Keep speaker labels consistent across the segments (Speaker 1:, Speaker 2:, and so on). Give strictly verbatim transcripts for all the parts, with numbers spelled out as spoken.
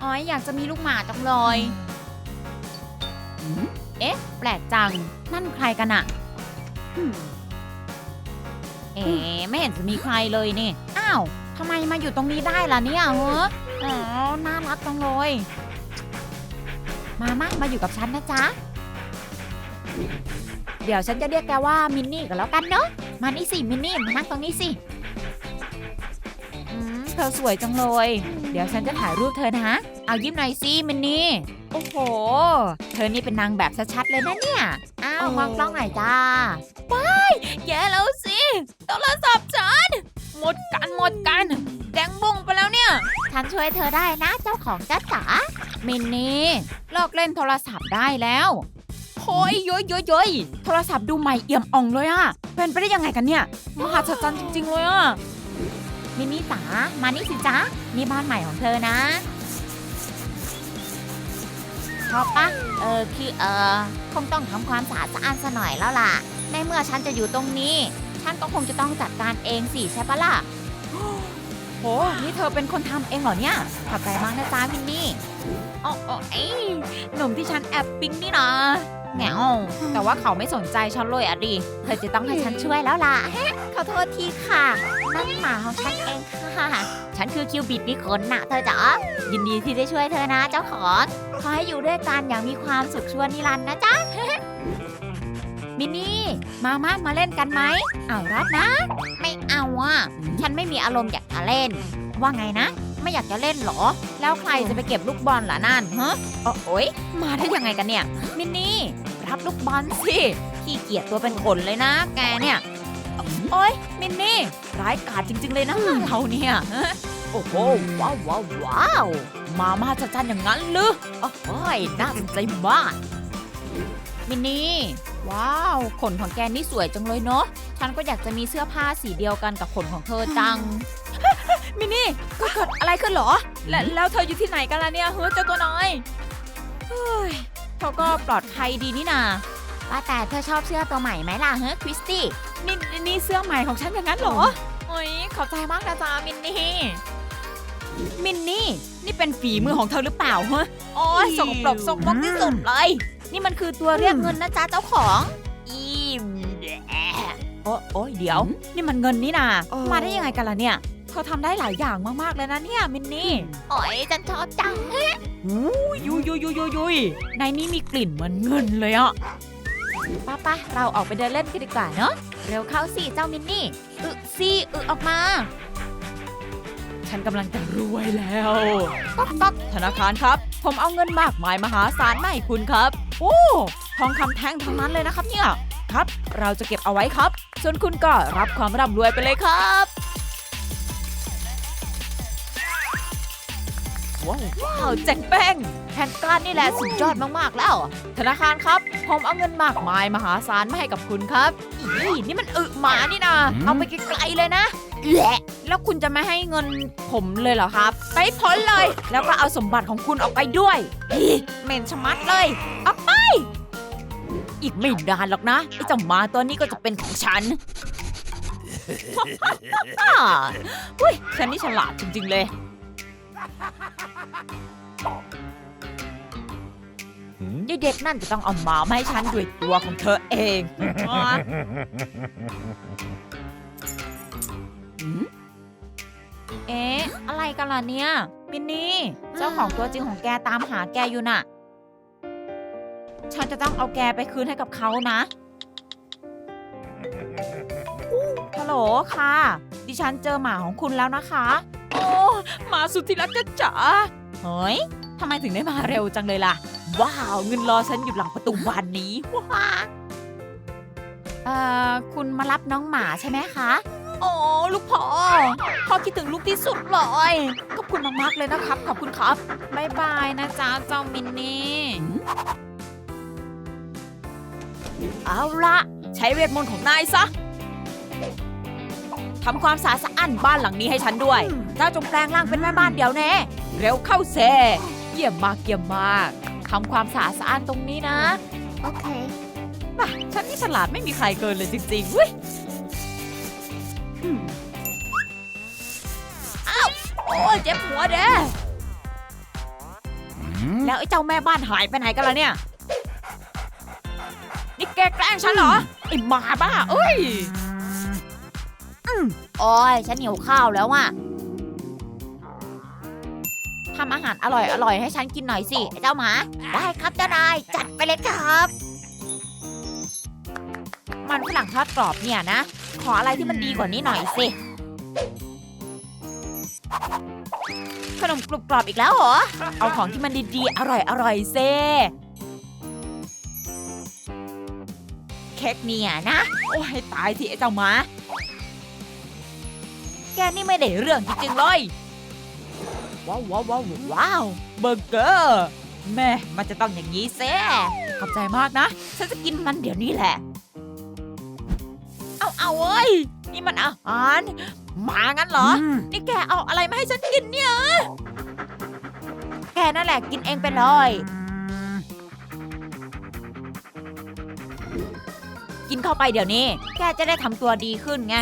Speaker 1: อ๋อยอยากจะมีลูกหมาจังเลยเอ๊ะแปลกจังนั่นใครกันอะเอ๊ะไม่เห็นจะมีใครเลยนี่อ้าวทำไมมาอยู่ตรงนี้ได้ล่ะเนี่ยเหรออ๋อน่ารักจังเลยมามามาอยู่กับฉันนะจ๊ะเดี๋ยวฉันจะเรียกแกว่ามินนี่กันแล้วกันเนาะมานี่สิมินนี่มานั่งตรงนี้สิอืมเธอสวยจังเลยเดี๋ยวฉันจะถ่ายรูปเธอนะเอายิ้มหน่อยสิมินนี่โอ้โหเธอนี่เป็นนางแบบชัดๆเลยนะเนี่ยอ้าวมองกล้องหน่อยจ้าว้ายแย่แล้วสิโทรศัพท์ฉันหมดกันหมดกันแดงบุ้งไปแล้วเนี่ยฉันช่วยเธอได้นะเจ้าของจ้าจ๋ามินนี่เลิกเล่นโทรศัพท์ได้แล้วโอ้ยย้อยย้อยย้อยโทรศัพท์ดูใหม่เอี่ยมอ่องเลยอะเป็นไปได้ยังไงกันเนี่ยมหัศจรรย์จริงๆเลยอะมินนี่จ๋ามานี่สิจ๊ะนี่บ้านใหม่ของเธอนะชอบปะเออคือเออคงต้องทำความสะอาดสะอ้านซะหน่อยแล้วล่ะในเมื่อฉันจะอยู่ตรงนี้ฉันก็คงจะต้องจัดการเองสิใช่ปะล่ะโหนี่เธอเป็นคนทำเองเหรอเนี่ยขอบใจมากนะจ๊ะมินนี่อ๋ออ๋อไอ้หนุ่มที่ฉันแอบปิ๊งนี่นะแง่แต่ว่าเขาไม่สนใจฉันเลยอะดิเธอจะต้องให้ฉันช่วยแล้วล่ะขอโทษทีค่ะนั่นหมาของฉันเองค่ะฉันคือคิวบิดนี่คนน่ะเธอจ๋ายินดีที่ได้ช่วยเธอนะเจ้าของขอให้อยู่ด้วยกันอย่างมีความสุขชั่วนิรันดร์นะจ๊ะ มินนี่มามามาเล่นกันไหมเอารัดนะไม่เอาอ่ะฉันไม่มีอารมณ์อยากจะเล่นว่าไงนะไม่อยากจะเล่นหรอแล้วใครจะไปเก็บลูกบอลล่ะนั่นฮะโอ๊ยมาได้ยังไงกันเนี่ยมินนี่รับลูกบอลสิขี้เกียจตัวเป็นขนเลยนะแกเนี่ยโอ๊ยมินนี่ร้ายกาจจริงๆเลยนะเราเนี่ยโอ้โหว้าวว้าวว้าวมามาจัดจานอย่างนั้นหรือโอ้ยน่าสนใจมากมินนี่ว้าวขนของแกนี่สวยจังเลยเนาะฉันก็อยากจะมีเสื้อผ้าสีเดียวกันกับขนของเธอจัง มินนี่ก็เกิดอะไรขึ้นเหรอและแล้วเธออยู่ที่ไหนกันล่ะเนี่ยเฮ้ยเจ้าตัวน้อยเฮ้ยเขาก็ปลอดภัยดีนี่นาว่าแต่เธอชอบเสื้อตัวใหม่ไหมล่ะเฮ้ยคริสตี้นี่นี่เสื้อใหม่ของฉันอย่างนั้นเหรอโอ้ยขอบใจมากนะจ๊ะมินนี่มินนี่นี่เป็นฝีมือของเธอหรือเปล่าเฮ้ยโอ้ยสกปรกสกปรกที่สุดเลยนี่มันคือตัวเรียกเงินนะจ๊ะเจ้าของอีมโอ้โอ้ยเดี๋ยวนี่มันเงินนี่นามาได้ยังไงกันล่ะเนี่ยเธอทำได้หลายอย่างมากๆเลยนะเนี่ยมินนี่โอ้ยฉันชอบจังฮะยุยยุยยุยยุยยุยในนี้มีกลิ่นเหมือนเงินเลยอ่ะป้าป้าเราออกไปเดินเล่นกันดีกว่าเนาะเร็วเข้าสิเจ้ามินนี่อึสิอึออกมาฉันกำลังจะรวยแล้วต๊อกต๊อกธนาคารครับผมเอาเงินมากมายมหาศาลมาให้คุณครับโอ้ทองคำแท่งทั้งนั้นเลยนะครับเนี่ยครับเราจะเก็บเอาไว้ครับส่วนคุณก็รับความร่ำรวยไปเลยครับว้าวว้าวแจ็คแป้งแผนการนี่แหละสุดยอดมากๆแล้วธนาคารครับผมเอาเงินมากมายมหาศาลมาให้กับคุณครับอีนี่มันอึหมานี่นะเอาไปไกลๆเลยนะแหละแล้วคุณจะไม่ให้เงินผมเลยเหรอครับไปพ้นเลยแล้วก็เอาสมบัติของคุณออกไปด้วยอีเหม็นชะมัดเลยเอาไปอีกไม่นานหรอกนะไอ้เจ้าหมาตัวนี้ก็จะเป็นของฉันอุ้ยฉันนี่ฉลาดจริงๆเลยยายเด็กนั่นจะต้องเอาหมามาให้ฉันด้วยตัวของเธอเองเอ๊ะอะไรกันล่ะเนี่ยมินนี่เจ้าของตัวจริงของแกตามหาแกอยู่น่ะฉันจะต้องเอาแกไปคืนให้กับเขานะฮัลโหลค่ะดิฉันเจอหมาของคุณแล้วนะคะโอ้หมาสุดที่รักจ๋าเฮ้ยทำไมถึงได้มาเร็วจังเลยล่ะว้าวเงินรอฉันอยู่หลังประตูบานนี้ว้าเอ่อคุณมารับน้องหมาใช่ไหมคะโอ้ลูกพ่อพ่อคิดถึงลูกที่สุดเลยขอบคุณมากๆเลยนะครับขอบคุณครับบ๊ายบายนะจ๊ะเจ้ามินนี่เอาละใช้เวทมนต์ของนายซะทำความสะอาดสะอ้านบ้านหลังนี้ให้ฉันด้วยเจ้าจงแปลงร่างเป็นแม่บ้านเดี๋ยวแน่เร็วเข้าเซเยี่ยมมากเยี่ยมมากทำความสะอาดสะอ้านตรงนี้นะโอเคป่ะฉันนี่ฉลาดไม่มีใครเกินเลยจริงๆเว้ยอ้าวโอ้เจ็บหัวเด้
Speaker 2: แล้วไอ้เจ้าแม่บ้านหายไปไหนกันล่ะเนี่ยนี่แกแกล้งฉันเหรอไอ้หมาบ้าเอ้ย
Speaker 1: โอ้ยฉันหิวข้าวแล้วอ่ะทำอาหารอร่อยอร่อยให้ฉันกินหน่อยสิไอ้เจ้าหมาได้ครับเจ้านายจัดไปเลยครับ มันฝรั่งทอดกรอบเนี่ยนะขออะไรที่มันดีกว่านี้หน่อยสิขนมกรุบกรอบอีกแล้วเหรอเอาของที่มันดีๆอร่อยอร่อยเซเค้กเนี่ยนะโอ้ยตายทีไอ้เจ้าหมาแกนี่ไม่ได้เรื่องจริงๆเลยว้าวว้าวว้าวว้าวเบอร์เกอร์แม่มันจะต้องอย่างนี้เซ่ขอบใจมากนะฉันจะกินมันเดี๋ยวนี้แหละเอาเอาเว้ยนี่มันอาหารหมางั้นเหรอนี่แกเอาอะไรมาให้ฉันกินเนี่ยแกนั่นแหละกินเองไปเลยกินเข้าไปเดี๋ยวนี้แกจะได้ทำตัวดีขึ้นไง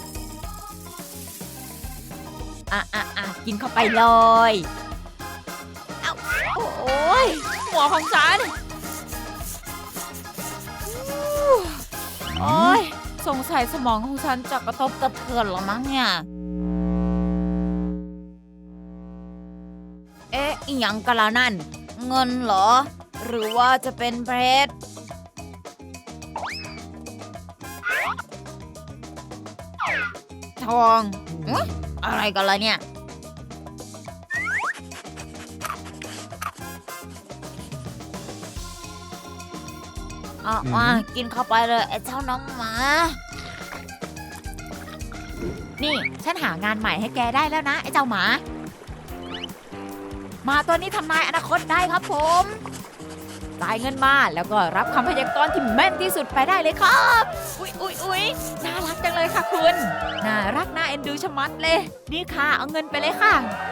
Speaker 1: อ่ะอ่ะอ่ะกินเข้าไปเลยเอาโอ้ยหัวของฉันโอ้ยสงสัยสมองของฉันจะกระทบกระเทือนหรอมั้งเนี่ยเอ๊ะอีหยังกันล่ะนั่นเงินเหรอหรือว่าจะเป็นเพชรทองอุ๊ยอะไรกันล่ะเนี่ยอ่ะมากินเข้าไปเลยไอ้เจ้าน้องหมานี่ฉันหางานใหม่ให้แกได้แล้วนะไอ้เจ้าหมามาตัวนี้ทำนายอนาคตได้ครับผมจ่ายเงินมาแล้วก็รับคำพยากรณ์ที่แม่นที่สุดไปได้เลยครับอุ๊ยอุ๊ยอุ๊ยน่ารักจังเลยค่ะคุณน่ารักน่าเอ็นดูชะมัดเลยนี่ค่ะเอาเงินไปเลยค่ะ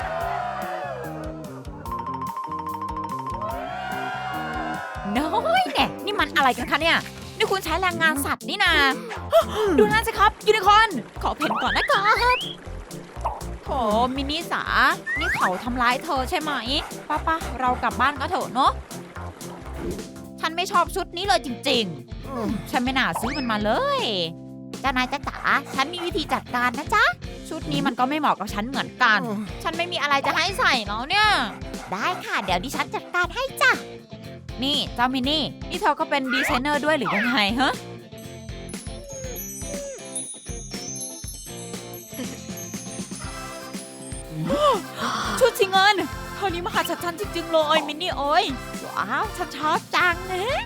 Speaker 1: น้อยแน่นี่มันอะไรกันคะเนี่ยนี่คุณใช้แรงงานสัตว์นี่นาดูนั่นสิครับยูนิคอร์นขอเพ่นก่อนนะครับโถมินิสานี่เขาทำร้ายเธอใช่ไหมป้าป้าเรากลับบ้านก็เถอะเนาะฉันไม่ชอบชุดนี้เลยจริงๆฉันไม่น่าซื้อมันมาเลยเจ้านายจ๊ะจ๋าฉันมีวิธีจัดการนะจ๊ะชุดนี้มันก็ไม่เหมาะกับฉันเหมือนกันฉันไม่มีอะไรจะให้ใส่แล้วเนี่ยได้ค่ะเดี๋ยวดิฉันจัดการให้จ้ะนี่เจ้ามินนี่นี่เธอก็เป็นดีไซเนอร์ด้วยหรือยังไงฮะชุดสีเงินเท่านี้มหัศจรรย์จริงๆเลยมินนี่เอ้ยว้าวฉันชอบจังนะ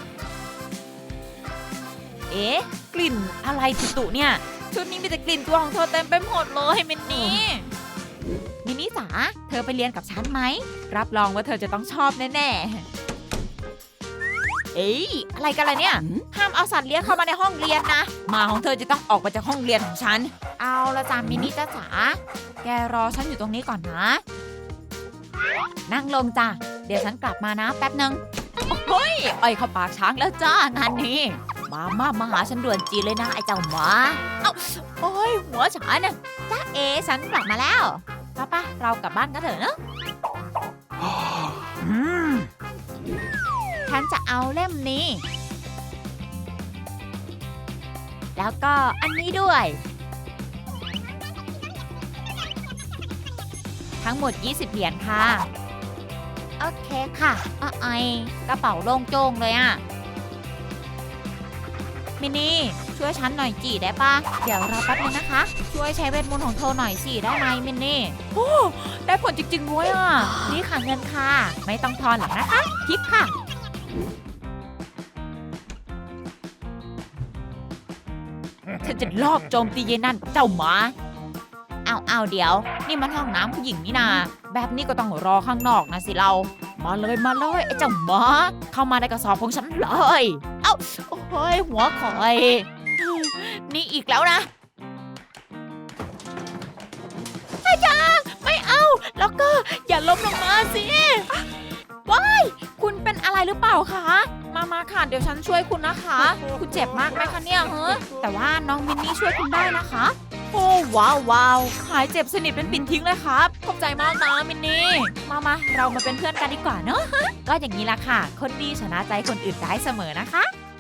Speaker 1: เอ๊ะกลิ่นอะไรตุ่ๆเนี่ยชุดนี้มีแต่กลิ่นตัวของเธอเต็มไปหมดเลยมินนี่มินนี่จ๋าเธอไปเรียนกับฉันไหมรับรองว่าเธอจะต้องชอบแน่ๆเอ๊ะอะไรกันล่ะเนี่ยห้ามเอาสัตว์เลี้ยงเข้ามาในห้องเรียนนะหมาของเธอจะต้องออกมาจากห้องเรียนของฉันเอาละจ้ามินนี่จ้าจ๋าแกรอฉันอยู่ตรงนี้ก่อนนะนั่งลงจ้ะเดี๋ยวฉันกลับมานะแป๊บนึงโอ้ยอ้อยเข้าปากช้างแล้วจ้างานนี้มามามาหาฉันด่วนจีเลยนะไอ้เจ้าหมาเอ้าโอ้ยหัวฉันน่ะจ้าเอฉันกลับมาแล้วป้าป้าเรากลับบ้านกันเถอะเนอะฉันจะเอาเล่มนี้แล้วก็อันนี้ด้วยทั้งหมดยี่สิบเหรียญค่ะโอเคค่ะอ้อไอกระเป๋าโล่งโจ้งเลยอะมินนี่ช่วยฉันหน่อยจีได้ปะเดี๋ยวรอแป๊บนึงนะคะช่วยใช้เวทมนต์ของเธอหน่อยสิได้ไหมมินนี่โอ้ได้ผลจริงๆด้วยอ่ะนี่ค่ะเงินค่ะไม่ต้องทอนหรอกนะคะคิดค่ะฉันจะลอบโจมตีเยนั่นกับเจ้าหมาเอาเอาเดี๋ยวนี่มันห้องน้ำผู้หญิงนี่นาแบบนี้ก็ต้องรอข้างนอกนะสิเรามาเลยมาเลยไอ้เจ้าหมาเข้ามาในกระสอบของฉันเลยเอ้าโอ้ยหัวคอยนี่อีกแล้วนะอาจารย์ไม่เอาแล้วก็อย่าล้มลงมาสิว้ายคุณเป็นอะไรหรือเปล่าคะมามาค่ะเดี๋ยวฉันช่วยคุณนะคะคุณเจ็บมากไหมคะเนี่ยเฮ้แต่ว่าน้องมินนี่ช่วยคุณได้นะคะ
Speaker 2: โอ้ว้าวว้าวหายเจ็บสนิทเป็นปิ่นทิ้งเลยครับขอบใจมากนะมินนี่
Speaker 1: มามาเรามาเป็นเพื่อนกันดีกว่าเนอะ ก็อย่างนี้ละค่ะ คนดีชนะใจคนอื่นได้เสมอนะคะ